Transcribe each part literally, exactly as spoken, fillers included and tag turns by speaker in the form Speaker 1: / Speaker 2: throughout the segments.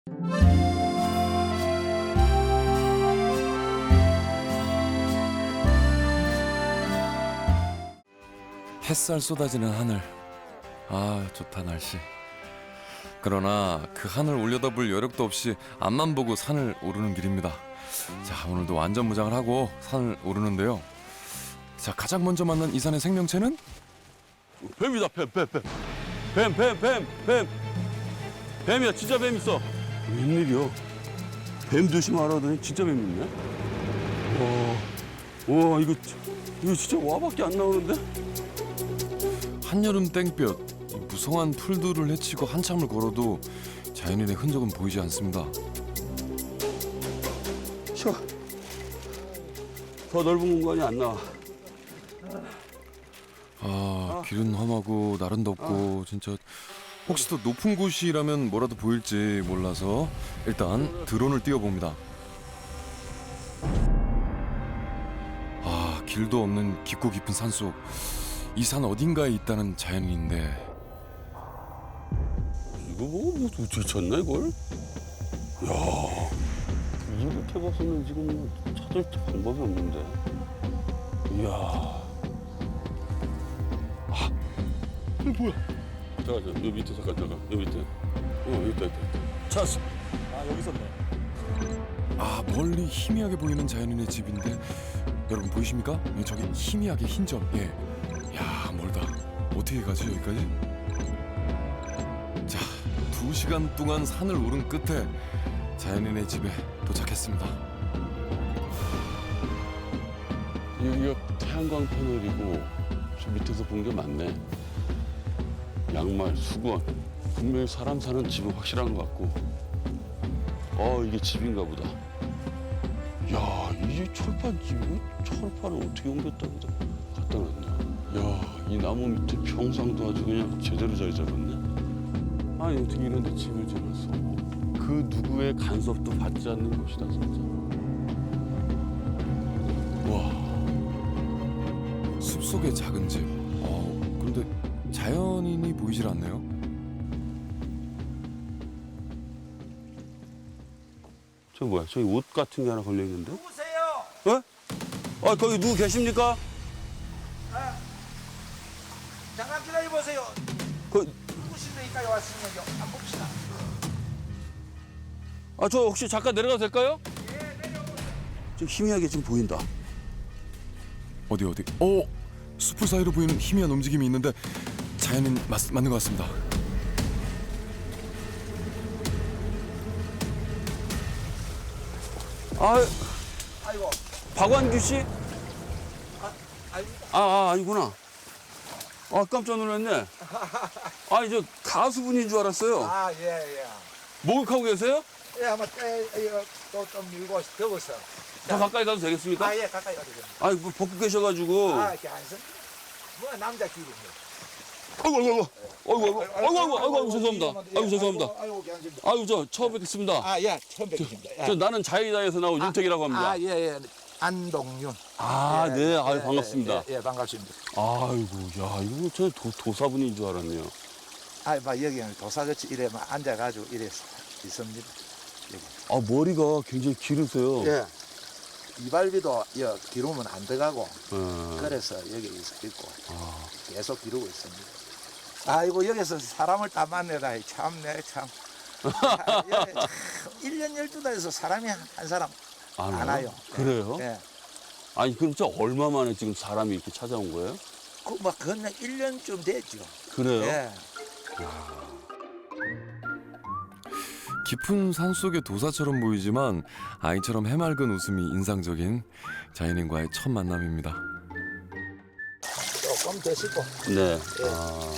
Speaker 1: 햇살 쏟아지는 하늘. 아, 좋다 날씨. 그러나 그 하늘 올려다볼 여력도 없이 앞만 보고 산을 오르는 길입니다. 자, 오늘도 완전 무장을 하고 산을 오르는데요. 자, 가장 먼저 만난 이 산의 생명체는
Speaker 2: 뱀이다, 뱀, 뱀, 뱀. 뱀, 뱀, 뱀, 뱀. 뱀이야, 진짜 뱀 있어. 웬일이야? 뱀 조심하라 하더니 진짜 뱀 있네? 와, 와, 이거, 이거 진짜 와밖에 안 나오는데?
Speaker 1: 한여름 땡볕. 이 무성한 풀들을 헤치고 한참을 걸어도 자연인의 흔적은 보이지 않습니다.
Speaker 2: 쉬어. 더 넓은 공간이 안 나와.
Speaker 1: 아, 길은 험하고 날은 덥고 진짜 혹시 더 높은 곳이라면 뭐라도 보일지 몰라서 일단 드론을 띄워봅니다. 아, 길도 없는 깊고 깊은 산속. 이 산 어딘가에 있다는 자연인인데
Speaker 2: 이거 뭐, 뭐 어떻게 찾나, 이걸? 야, 이렇게 봐서는 지금 뭐 찾을 방법이 없는데. 이야. 아, 이거 뭐야? 잠깐, 잠깐, 여기 밑에, 잠깐, 잠깐, 여기 밑에. 어, 여기 있다, 여기 있다. 찾았어.
Speaker 3: 아 여기 있었네.
Speaker 1: 아, 멀리 희미하게 보이는 자연인의 집인데 여러분 보이십니까? 예, 저기 희미하게 흰 점. 예. 야, 멀다. 어떻게 가지 여기까지? 자, 두 시간 동안 산을 오른 끝에 자연인의 집에 도착했습니다.
Speaker 2: 여기가 태양광 패널이고 저 밑에서 본 게 맞네. 양말, 수건. 분명히 사람 사는 집은 확실한 것 같고. 어, 이게 집인가 보다. 야, 이게 철판집이고 철판을 어떻게 옮겼다 보다 갖다 놨냐. 야, 이 나무 밑에 평상도 아주 그냥 제대로 자리 잡았네. 아니, 어떻게 이런 데 집을 지었어. 그 누구의 간섭도 받지 않는 곳이다, 진짜. 와.
Speaker 1: 숲속의 작은 집. 어, 그런데 자연인이 보이질 않네요.
Speaker 2: 저 뭐야? 저기 옷 같은 게 하나 걸려 있는데?
Speaker 3: 누구세요?
Speaker 2: 어? 아, 거기 누구 계십니까?
Speaker 3: 아, 잠깐 기다려 보세요.
Speaker 2: 그,
Speaker 3: 누구신데 여기까지 왔으면요. 안 봅시다.
Speaker 2: 아, 저 혹시 잠깐 내려가도 될까요?
Speaker 3: 예, 내려오세요.
Speaker 2: 좀 희미하게 지금 보인다.
Speaker 1: 어디 어디? 어, 숲을 사이로 보이는 희미한 움직임이 있는데 자연인 맞, 맞는 것 같습니다.
Speaker 2: 아,
Speaker 3: 아이고,
Speaker 2: 박완규 씨?
Speaker 3: 아, 아닙니다.
Speaker 2: 아, 아, 아니구나. 아, 깜짝 놀랐네. 아니, 저 가수분인 줄 알았어요.
Speaker 3: 아, 예, 예.
Speaker 2: 목욕하고 계세요?
Speaker 3: 예, 아마 때, 이거 또좀 밀고 더워서.
Speaker 2: 더 가까이 가도 되겠습니까?
Speaker 3: 아, 예, 가까이 가도 됩니다.
Speaker 2: 아니, 뭐 벗고 계셔가지고.
Speaker 3: 아, 이렇게 안 씁니다. 뭐 남자 길입니다.
Speaker 2: 아이고, 아이고, 아이고, 아이고, 아이고, 아이고, 아이고, 아이고, 죄송합니다. 아이고, 죄송합니다.
Speaker 3: 아이고, 아이고, 괜찮습니다.
Speaker 2: 아이고, 저 처음 뵙겠습니다.
Speaker 3: 아, 예, 처음 뵙겠습니다. 예.
Speaker 2: 저 나는 자유다에서 나온 윤택이라고 합니다.
Speaker 3: 아, 예, 예. 안동윤.
Speaker 2: 아,
Speaker 3: 예,
Speaker 2: 네,
Speaker 3: 예,
Speaker 2: 아유,
Speaker 3: 예,
Speaker 2: 반갑습니다.
Speaker 3: 예, 예, 반갑습니다.
Speaker 2: 아이고, 야, 이거 저 도, 도사분인 줄 알았네요.
Speaker 3: 아, 막 여기는 도사같이 이래 막 앉아가지고 이래 있습니다. 여기.
Speaker 2: 아, 머리가 굉장히 기르세요.
Speaker 3: 예. 이발비도 여 기르면 안 들어가고
Speaker 2: 예.
Speaker 3: 그래서 여기 있- 있고
Speaker 2: 아,
Speaker 3: 계속 기르고 있습니다. 아이고 여기서 사람을 다 만나다 참내 참. 아, 여기 참 일 년 열두 달에서 사람이 한, 한 사람
Speaker 2: 안
Speaker 3: 안
Speaker 2: 와요?
Speaker 3: 와요.
Speaker 2: 그래요?
Speaker 3: 예.
Speaker 2: 아니, 그럼 진짜 얼마 만에 지금 사람이 이렇게 찾아온 거예요?
Speaker 3: 그막 그건 일 년쯤 됐죠.
Speaker 2: 그래요?
Speaker 3: 예.
Speaker 1: 깊은 산 속의 도사처럼 보이지만 아이처럼 해맑은 웃음이 인상적인 자연인과의 첫 만남입니다.
Speaker 3: 조금 드시고
Speaker 2: 네.
Speaker 3: 예.
Speaker 2: 아,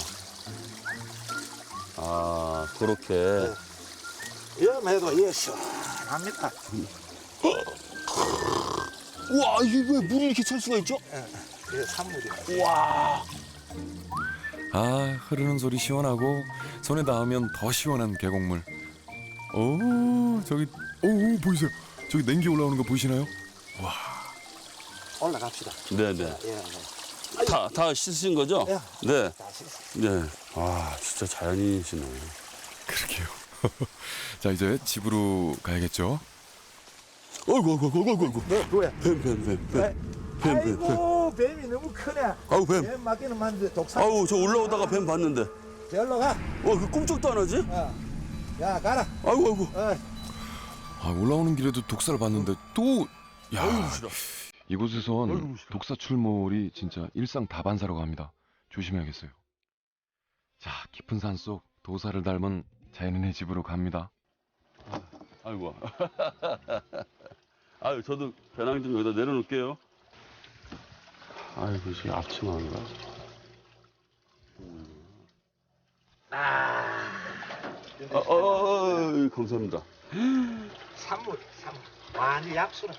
Speaker 2: 아, 그렇게.
Speaker 3: 염해도 이게 시원합니다.
Speaker 2: 우와, 이게 왜 물이 이렇게 찰 수가 있죠?
Speaker 3: 예. 이게 산물이에요.
Speaker 2: 우와.
Speaker 1: 아, 흐르는 소리 시원하고 손에 닿으면 더 시원한 계곡물. 오, 저기 오, 오 보이세요? 저기 냉기 올라오는 거 보이시나요?
Speaker 3: 올라갑시다.
Speaker 2: 네네.
Speaker 3: 예. 예.
Speaker 2: 다, 다 씻으신 거죠?
Speaker 3: 예.
Speaker 2: 네.
Speaker 3: 다시.
Speaker 2: 네. 아, 진짜 자연인이시네.
Speaker 1: 그러게요. 자, 이제 집으로 가야겠죠?
Speaker 2: 어이구, 어이구, 어이구, 어이구, 어이구.
Speaker 3: 너 뭐야?
Speaker 2: 뱀, 뱀, 뱀, 뱀. 뱀, 뱀, 뱀.
Speaker 3: 아이고 뱀이 너무 크네.
Speaker 2: 아우, 뱀.
Speaker 3: 뱀 맞기는 맞는데 독사.
Speaker 2: 아우, 저 올라오다가 뱀 봤는데.
Speaker 3: 저리로 가.
Speaker 2: 어, 그 꿈쩍도 안 하지?
Speaker 3: 어. 야 가라.
Speaker 2: 아이고, 아이고.
Speaker 3: 어.
Speaker 1: 아, 올라오는 길에도 독사를 봤는데 또 야,
Speaker 2: 아이고, 싫어.
Speaker 1: 이곳에선
Speaker 2: 아이고, 싫어.
Speaker 1: 독사 출몰이 진짜 일상 다반사라고 합니다. 조심해야겠어요. 자, 깊은 산 속 도사를 닮은 자연인의 집으로 갑니다.
Speaker 2: 아이고. 아유, 저도 배낭 좀 여기다 내려놓을게요. 아이고, 지금 앞치마인가?
Speaker 3: 아.
Speaker 2: 어, 어, 어, 감사합니다.
Speaker 3: 산물, 산물. 완전 약수라.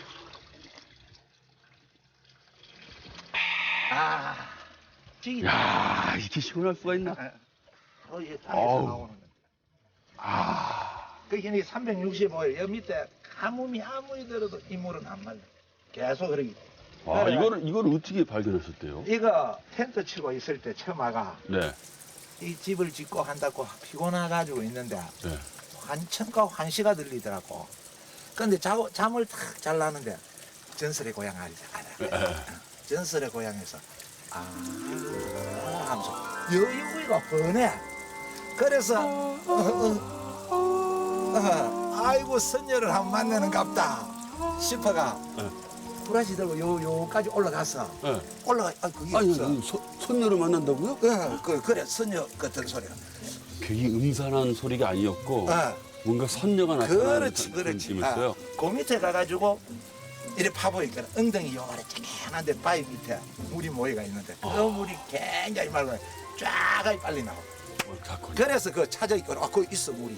Speaker 3: 아. 찌기.
Speaker 2: 야, 이렇게 시원할 수가 있나?
Speaker 3: 어, 이게
Speaker 2: 아우.
Speaker 3: 땅에서 나오는 거.
Speaker 2: 아,
Speaker 3: 그게 삼백육십오 일, 여기 밑에 가뭄이 아무리 들어도 이 물은 안 말려. 계속 흐르기.
Speaker 2: 아 이거를, 이거를 어떻게 발견하셨대요?
Speaker 3: 이거 텐트 치고 있을 때 처마가
Speaker 2: 네,
Speaker 3: 이 집을 짓고 한다고 피곤해가지고 있는데
Speaker 2: 네.
Speaker 3: 환청과 환시가 들리더라고. 근데 자, 잠을 탁 잘라는데 전설의 고향 알지? 알아. 전설의 고향에서 아 하면서 여유가 뻔해. 그래서 어, 어, 어, 아이고 선녀를 한 번 만나는 갑다 싶어가
Speaker 2: 네.
Speaker 3: 브라시 들고 요 요까지 올라갔어.
Speaker 2: 네.
Speaker 3: 올라가 아 그게
Speaker 2: 아니,
Speaker 3: 없어.
Speaker 2: 아니, 소, 손녀를 만난다고요?
Speaker 3: 어, 그 그래 선녀 같은 소리가.
Speaker 2: 괜히 음산한 소리가 아니었고
Speaker 3: 어.
Speaker 2: 뭔가 선녀가 나타나는
Speaker 3: 그렇지
Speaker 2: 그런
Speaker 3: 그렇지.
Speaker 2: 느낌이었어요.
Speaker 3: 아, 그 밑에 가가지고 이래 파보니까 엉덩이 요 아래 쨍한데 바위 밑에 물이 모여가 있는데 그
Speaker 2: 아.
Speaker 3: 물이 굉장히 맑아요. 쫙 빨리 나와.
Speaker 2: 어, 다 거기.
Speaker 3: 그래서 그 찾아 있고 아 거기 있어 물이.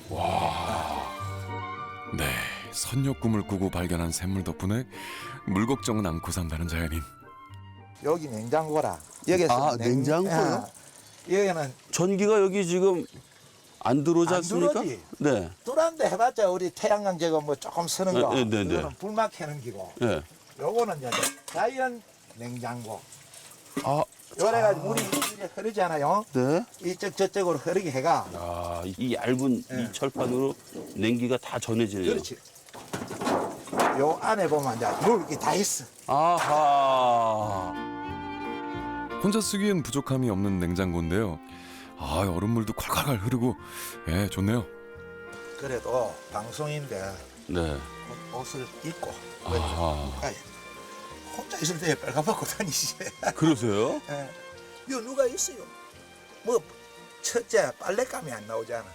Speaker 1: 네, 선녀 꿈을 꾸고 발견한 샘물 덕분에 물 걱정은 않고 산다는 자연인.
Speaker 3: 여기 냉장고라. 여기서
Speaker 2: 아, 냉장고요?
Speaker 3: 여기는
Speaker 2: 전기가 여기 지금 안 들어오지
Speaker 3: 안
Speaker 2: 않습니까?
Speaker 3: 들어오지.
Speaker 2: 네.
Speaker 3: 뚫었는데 해봤자 우리 태양광 제거 뭐 조금 쓰는 거.
Speaker 2: 네, 네, 네, 네.
Speaker 3: 이거는 불막 켜는 기고.
Speaker 2: 네.
Speaker 3: 요거는 이제 자연 냉장고.
Speaker 2: 아,
Speaker 3: 요래가지고 물이 이렇게 흐르잖아요.
Speaker 2: 네.
Speaker 3: 이쪽 저쪽으로 흐르게 해가.
Speaker 2: 아, 이 얇은
Speaker 3: 네.
Speaker 2: 이 철판으로 냉기가 다 전해지네요.
Speaker 3: 그렇지. 요 안에 보면 이제 물이 다 있어.
Speaker 2: 아하.
Speaker 1: 혼자 쓰기엔 부족함이 없는 냉장고인데요. 아, 얼음물도 콸콸콸 흐르고, 예, 좋네요.
Speaker 3: 그래도 방송인데
Speaker 2: 네.
Speaker 3: 옷- 옷을 입고
Speaker 2: 아하.
Speaker 3: 가야 혼자 있을 때 빨가벗고 다니지.
Speaker 2: 그러세요?
Speaker 3: 예. 요 누가 있어요? 뭐 첫째 빨랫감이 안 나오잖아.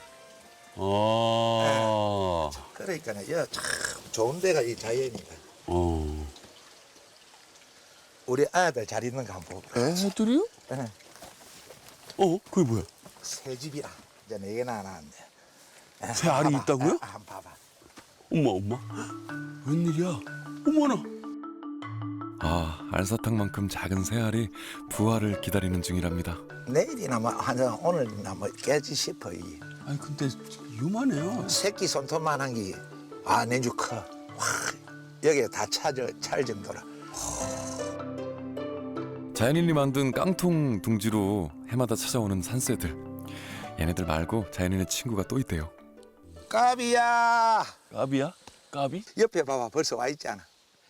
Speaker 2: 아.
Speaker 3: 그러니까 여참 좋은 데가 이 자연이다.
Speaker 2: 어.
Speaker 3: 우리 아들 잘 있는 거 한번 보고.
Speaker 2: 애들이요?
Speaker 3: 예.
Speaker 2: 어? 그게 뭐야?
Speaker 3: 새 집이라 이제 네 개나 나왔네. 예,
Speaker 2: 새 알이
Speaker 3: 봐봐.
Speaker 2: 있다고요?
Speaker 3: 아, 한번 봐봐.
Speaker 2: 엄마, 엄마. 웬일이야? 어머나.
Speaker 1: 아, 알사탕만큼 작은 새알이 부화를 기다리는 중이랍니다.
Speaker 3: 내일이나 뭐 한 오늘이나 뭐 깨지 싶어 이
Speaker 2: 아니, 근데 요만해요.
Speaker 3: 새끼 손톱만한 게 아 내주 커. 와 여기에 다 차져 찰 정도라.
Speaker 1: 자연인이 만든 깡통 둥지로 해마다 찾아오는 산새들. 얘네들 말고 자연인의 친구가 또 있대요.
Speaker 3: 까비야.
Speaker 2: 까비야? 까비?
Speaker 3: 옆에 봐봐 벌써 와 있잖아.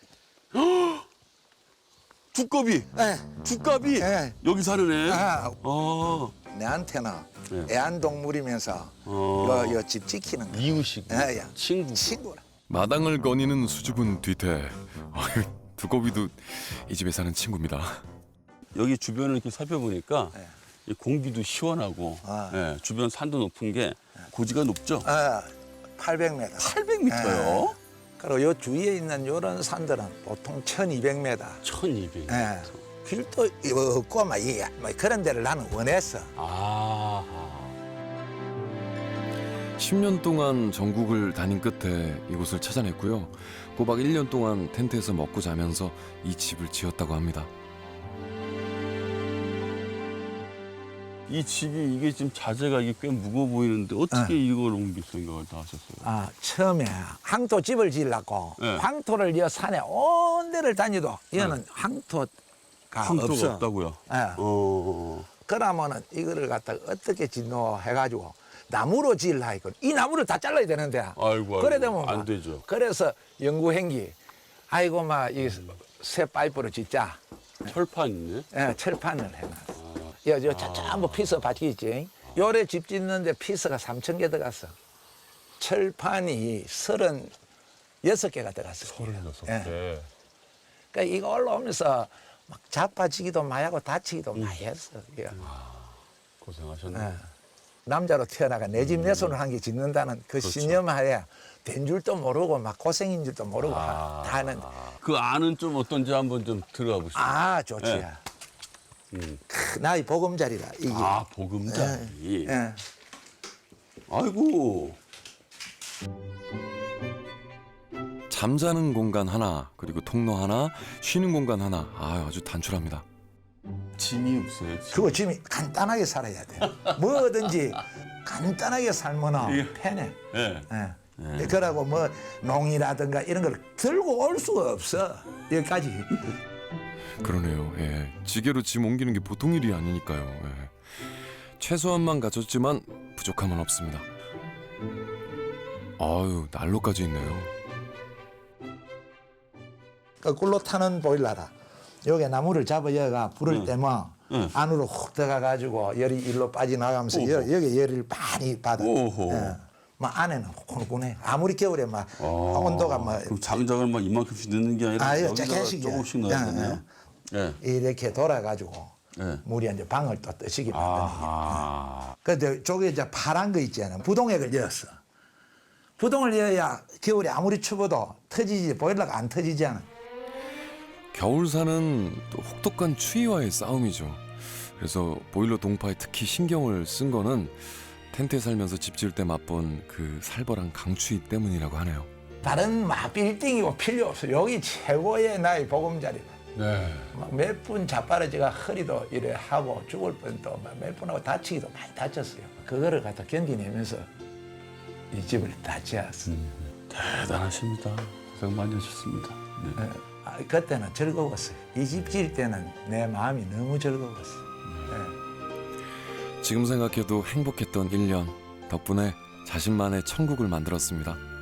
Speaker 2: 두꺼비.
Speaker 3: 예.
Speaker 2: 두꺼비.
Speaker 3: 예.
Speaker 2: 여기 사는 애.
Speaker 3: 아,
Speaker 2: 어.
Speaker 3: 내한테는
Speaker 2: 네.
Speaker 3: 애완동물이면서
Speaker 2: 어.
Speaker 3: 요, 요 집 지키는 거.
Speaker 2: 이웃이고.
Speaker 3: 예, 예.
Speaker 2: 친구.
Speaker 3: 친구라.
Speaker 1: 마당을 거니는 수줍은 뒤태. 아유, 두꺼비도 이 집에 사는 친구입니다.
Speaker 2: 여기 주변을 이렇게 살펴보니까
Speaker 3: 네.
Speaker 2: 이 공기도 시원하고
Speaker 3: 아.
Speaker 2: 예, 주변 산도 높은 게 고지가 높죠?
Speaker 3: 아, 팔백 미터.
Speaker 2: 팔백 미터요?
Speaker 3: 그리고 요 주위에 있는 요런 산들은 보통 천이백 미터.
Speaker 2: 천이백.
Speaker 3: 예. 길도 없고 막 이게 뭐 그런 데를 나는 원했어.
Speaker 2: 아.
Speaker 1: 십 년 동안 전국을 다닌 끝에 이곳을 찾아냈고요. 꼬박 일 년 동안 텐트에서 먹고 자면서 이 집을 지었다고 합니다.
Speaker 2: 이 집이 이게 지금 자재가 이게 꽤 무거워 보이는데 어떻게 이걸 옮길 생각을 다 하셨어요?
Speaker 3: 아, 처음에 황토 집을 지으려고
Speaker 2: 네.
Speaker 3: 황토를 이 산에 온 데를 다니도 얘는 황토가
Speaker 2: 황토가
Speaker 3: 없어.
Speaker 2: 없다고요?
Speaker 3: 예.
Speaker 2: 어.
Speaker 3: 그러면은 이거를 갖다가 어떻게 짓노 해가지고 나무로 지으려 했거든. 이 나무를 다 잘라야 되는데.
Speaker 2: 아이고, 아이고,
Speaker 3: 그래 되면
Speaker 2: 안
Speaker 3: 막
Speaker 2: 되죠.
Speaker 3: 그래서 연구행기 아이고 막 이 새 파이프로 짓자.
Speaker 2: 철판 있네.
Speaker 3: 예, 철판을 해놨어. 야, 저 차- 전부 피서 바퀴 있지. 요래 집 짓는데 피서가 삼천 개 들어갔어. 철판이 서른 여섯 개가 들어갔어.
Speaker 2: 서른여섯
Speaker 3: 예.
Speaker 2: 개.
Speaker 3: 그러니까 이거 올라오면서 막 자빠지기도 많이 하고 다치기도 많이 했어. 이거.
Speaker 2: 고생하셨네.
Speaker 3: 예. 남자로 태어나가 내 집 내 손을 한 개 짓는다는 그 신념하에 된 줄도 모르고 막 고생인 줄도 모르고
Speaker 2: 아.
Speaker 3: 다 하는.
Speaker 2: 그 안은 좀 어떤지 한번 좀 들어가 보시죠.
Speaker 3: 아, 좋지.
Speaker 2: 예. 음.
Speaker 3: 크, 나의 보금자리다 이게.
Speaker 2: 아, 보금자리.
Speaker 3: 예.
Speaker 2: 아이고.
Speaker 1: 잠자는 공간 하나, 그리고 통로 하나, 쉬는 공간 하나. 아, 아주 단출합니다.
Speaker 2: 짐이 없어요. 짐.
Speaker 3: 그거 지금 간단하게 살아야 돼. 뭐든지 간단하게 살면
Speaker 2: 예.
Speaker 3: 편해.
Speaker 2: 예.
Speaker 3: 예. 그러고 뭐 농이라든가 이런 걸 들고 올 수가 없어. 여기까지.
Speaker 1: 그러네요. 예. 지게로 짐 옮기는 게 보통 일이 아니니까요. 예. 최소한만 갖췄지만 부족함은 없습니다. 아유, 난로까지 있네요.
Speaker 3: 거꾸로 타는 보일러라. 여기 나무를 잡아 여가 불을 때면
Speaker 2: 응.
Speaker 3: 안으로 훅 들어가 가지고 열이 일로 빠져나가면서 여, 여기 열을 많이 받아.
Speaker 2: 오호.
Speaker 3: 예. 막 안에는 훈훈해. 아무리 겨울에 막
Speaker 2: 아,
Speaker 3: 온도가 막
Speaker 2: 그럼 장작을 막 이만큼씩 넣는 게 아니라
Speaker 3: 아유,
Speaker 2: 여기다가
Speaker 3: 조금씩이야.
Speaker 2: 조금씩 넣어야
Speaker 3: 예,
Speaker 2: 되네요. 예.
Speaker 3: 이렇게 돌아가지고
Speaker 2: 예.
Speaker 3: 물이 이제 방을 또 뜨시게 만드는 거야.
Speaker 2: 아하.
Speaker 3: 근데 저게 이제 파란 거 있잖아. 부동액을 넣었어. 부동을 넣어야 겨울에 아무리 추워도 터지지 보일러가 안 터지잖아.
Speaker 1: 겨울사는 또 혹독한 추위와의 싸움이죠. 그래서 보일러 동파에 특히 신경을 쓴 거는 텐트에 살면서 집 지을 때 맛본 그 살벌한 강추위 때문이라고 하네요.
Speaker 3: 다른 막 빌딩이고 필요 없어. 여기 최고의 나의 보금자리다.
Speaker 2: 네.
Speaker 3: 몇 분 자빠르지가 허리도 이래 하고 죽을 뻔도 몇 분하고 다치기도 많이 다쳤어요. 그거를 갖다 견디내면서 이 집을 다 지었어.
Speaker 2: 대단하십니다. 고생 많이 하셨습니다. 네.
Speaker 3: 예. 아, 그때는 즐거웠어요. 이 집 지을 때는 내 마음이 너무 즐거웠어. 예.
Speaker 1: 지금 생각해도 행복했던 일 년 덕분에 자신만의 천국을 만들었습니다.